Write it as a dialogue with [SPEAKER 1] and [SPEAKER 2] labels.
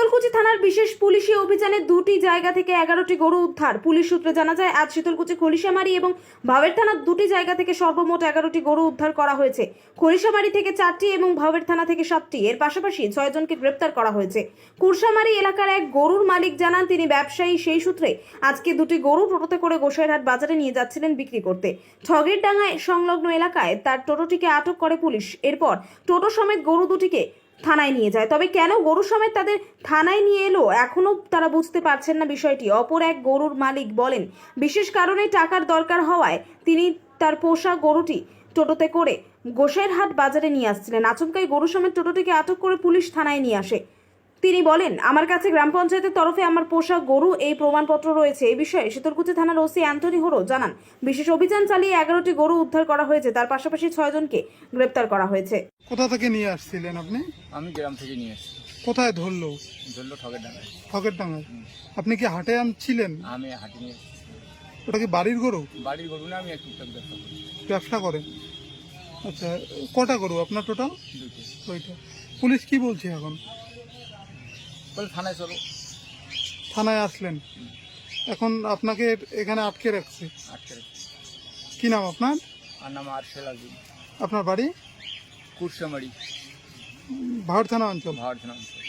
[SPEAKER 1] শীতলকুচি থানার বিশেষ পুলিশি অভিযানে দুটি জায়গা থেকে 11টি গরু উদ্ধার। পুলিশ সূত্রে জানা যায়, আজ শীতলকুচি খলিশামারি এবং ভাওয়ের থানার দুটি জায়গা থেকে সর্বমোট 11টি গরু উদ্ধার করা হয়েছে। খলিশামারি থেকে 4টি এবং ভাওয়ের থানা থেকে 7টি। এর পাশাপাশি 6 জনকে গ্রেপ্তার করা হয়েছে। কুরসামারি এলাকার এক গরুর মালিক জানান, তিনি ব্যবসায়ী। সেই সূত্রে আজকে দুটি গরু টোটোতে করে গোসাইরহাট বাজারে নিয়ে যাচ্ছিলেন বিক্রি করতে। ঠগের ডাঙ্গায় সংলগ্ন এলাকায় তার টোটোটিকে আটক করে পুলিশ। এরপর টোটো সমেত গরু দুটিকে থানায় নিয়ে যায়। তবে কেন গরু সমেত তাদের থানায় নিয়ে এলো এখনো তারা বুঝতে পারছেন না বিষয়টি। অপর এক গরুর মালিক বলেন, বিশেষ কারণে টাকার দরকার হওয়ায় তিনি তার পোষা গরুটি টোটোতে করে গোসাইরহাট বাজারে নিয়ে আসছিলেন। আচমকাই গরু সমেত টোটোটিকে আটক করে পুলিশ থানায় নিয়ে আসে। তিনি বলেন, আমার কাছে গ্রাম পঞ্চায়েতের তরফে আমার পোষা গরু এই প্রমাণপত্র রয়েছে। এই বিষয়ে শীতলকুচি থানার ওসি অ্যান্থনি হোরো জানান, বিশেষ অভিযান চালিয়ে 11টি গরু উদ্ধার করা হয়েছে। তার পাশাপাশি 6 জনকে গ্রেপ্তার করা হয়েছে।
[SPEAKER 2] কোথা থেকে নিয়ে আসছিলেন আপনি?
[SPEAKER 3] আমি গ্রাম থেকে নিয়ে এসেছি।
[SPEAKER 2] কোথায় ধরলো?
[SPEAKER 3] ধরলো ঠগের ডাঙায়।
[SPEAKER 2] ঠকের ডাঙ্গায়। আপনি কি হাটে আনছিলেন?
[SPEAKER 3] আমি হাঁটি নিয়ে এসেছি।
[SPEAKER 2] ওটা কি বাড়ির গরু?
[SPEAKER 3] বাড়ির গরু না, আমি একটু ব্যবসা করি।
[SPEAKER 2] ব্যবসা করেন? আচ্ছা, কটা গরু আপনার টোটাল?
[SPEAKER 3] দুটো।
[SPEAKER 2] ওইটা। পুলিশ কি বলছে এখন?
[SPEAKER 3] বলে থানায় চলো।
[SPEAKER 2] থানায় আসলেন, এখন আপনাকে এখানে আটকে রাখছে।
[SPEAKER 3] আটকে রেখেছি।
[SPEAKER 2] কি নাম আপনার?
[SPEAKER 3] আর নাম আরশেল আজিম।
[SPEAKER 2] আপনার বাড়ি?
[SPEAKER 3] কুরসামারি,
[SPEAKER 2] ভাওর থানা অঞ্চল।
[SPEAKER 3] ভাওয়ার থানা অঞ্চল।